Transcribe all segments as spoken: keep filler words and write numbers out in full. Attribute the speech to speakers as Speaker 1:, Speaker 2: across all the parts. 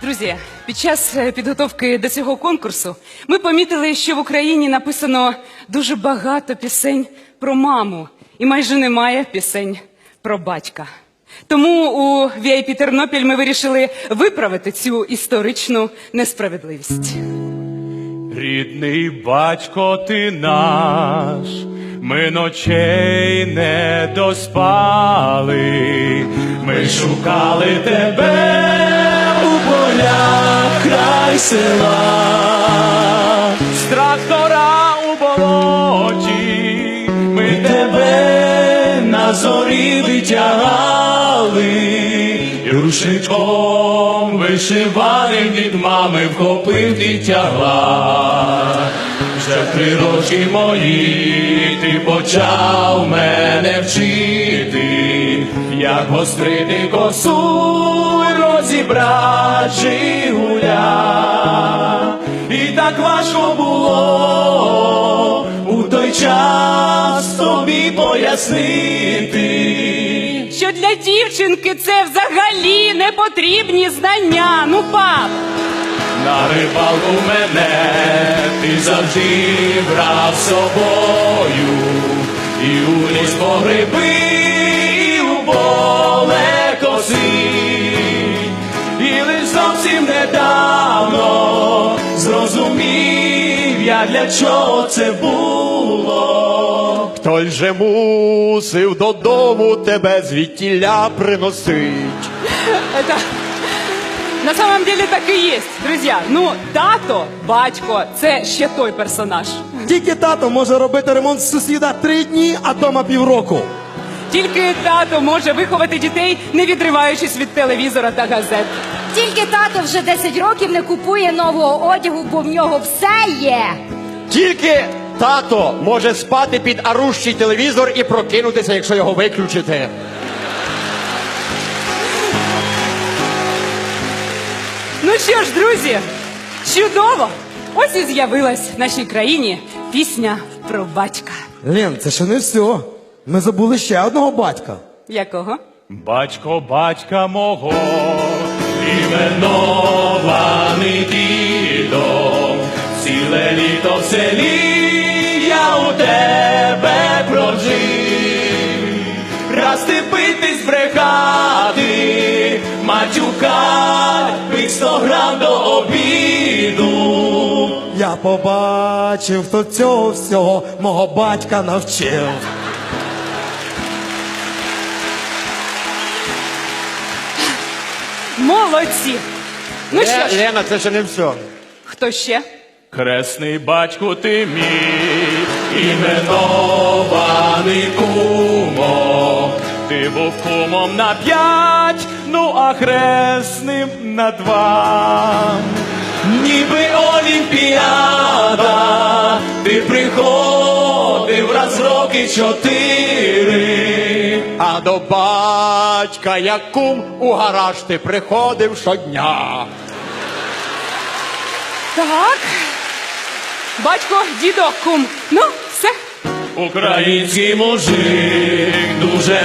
Speaker 1: Друзі, під час е, підготовки до цього конкурсу ми помітили, що в Україні написано дуже багато пісень про маму і майже немає пісень про батька. Тому у ві ай пі Тернопіль ми вирішили виправити цю історичну несправедливість.
Speaker 2: Рідний батько ти наш, ми ночей не доспали, ми шукали тебе у полях край села, з трактора у болоті, ми тебе на зорі витягали, і рушником вишиваним від мами вхопив дитягла. Вже в три роки мої ти почав мене вчити, як гострити косу й розібрати жигуля. І так важко було у той час тобі пояснити,
Speaker 1: Що для дівчинки це взагалі не потрібні знання. Ну, пап!
Speaker 2: на рибалку мене ти завжди брав з собою, і у ліс по гриби, і у поле коси, і лиш зовсім недавно зрозумів я, для чого це було.
Speaker 3: Хтось же мусив додому тебе звідтіля приносить.
Speaker 1: Это... На самом деле так і є, друзі. Ну, тато, батько – це ще той персонаж.
Speaker 4: Тільки тато може робити ремонт з сусіда три дні, а дома півроку.
Speaker 1: Тільки тато може виховати дітей, не відриваючись від телевізора та газет.
Speaker 5: Тільки тато вже десять років не купує нового одягу, бо в нього все є.
Speaker 3: Тільки тато може спати під орущий телевізор і прокинутися, якщо його виключити.
Speaker 1: Ну що ж, друзі, чудово! Ось і з'явилась в нашій країні пісня про батька.
Speaker 4: Лен, це ще не все. Ми забули ще одного батька.
Speaker 1: Якого?
Speaker 2: Батько батька мого, іменований дідом, ціле літо в селі я у тебе прожив. Раз ти пити збрехати, матюка, пить сто грам до обіду.
Speaker 4: Я побачив, хто цього всього мого батька навчив.
Speaker 1: Молодці! Ну що ж,
Speaker 3: Лена, це ще не все.
Speaker 1: хто ще?
Speaker 2: Хресний батьку ти мій, іменований кумо, ти був кумом на п'ять, ну а хресним на два. Ніби Олімпіада, ти приходив раз в роки чотири.
Speaker 3: А до батька, як кум, у гараж ти приходив щодня.
Speaker 1: Так. Батько, дідо, кум. Ну, все.
Speaker 2: Український мужик дуже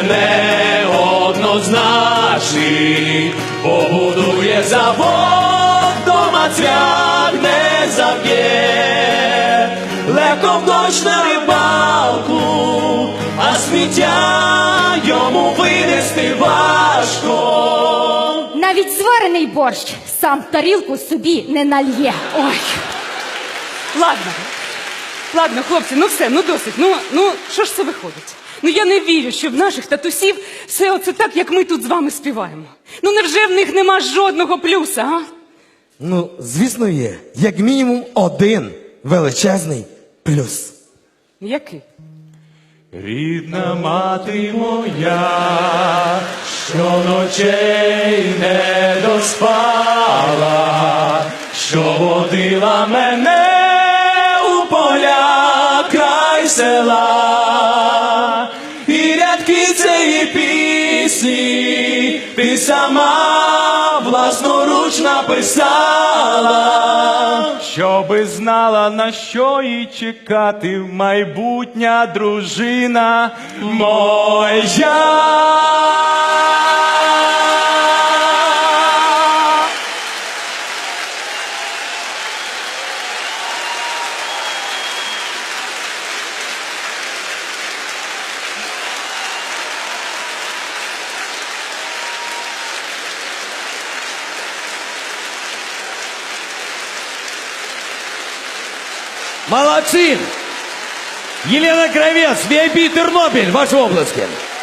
Speaker 2: неоднозначний, побудує завод, дома цвях не заб'є, легко в дощ на рибалку, а сміття йому винести важко.
Speaker 5: Навіть зварений борщ сам тарілку собі не нальє.
Speaker 1: Ой. Ладно. Ладно, хлопці, ну все, ну досить. Ну, ну, що ж це виходить? Ну я не вірю, що в наших татусів все оце так, як ми тут з вами співаємо. Ну невже в них нема жодного плюса, а?
Speaker 4: Ну, звісно, є. Як мінімум один величезний плюс.
Speaker 1: Який?
Speaker 2: Рідна мати моя, що ночей не доспала, що водила мене у поля край села, і рядки цієї пісні ти сама власноруч написала, щоби знала, на що їй чекати майбутня дружина моя.
Speaker 6: Молодці! Єлена Кравець, ві ай пі Тернопіль, ваші обласки.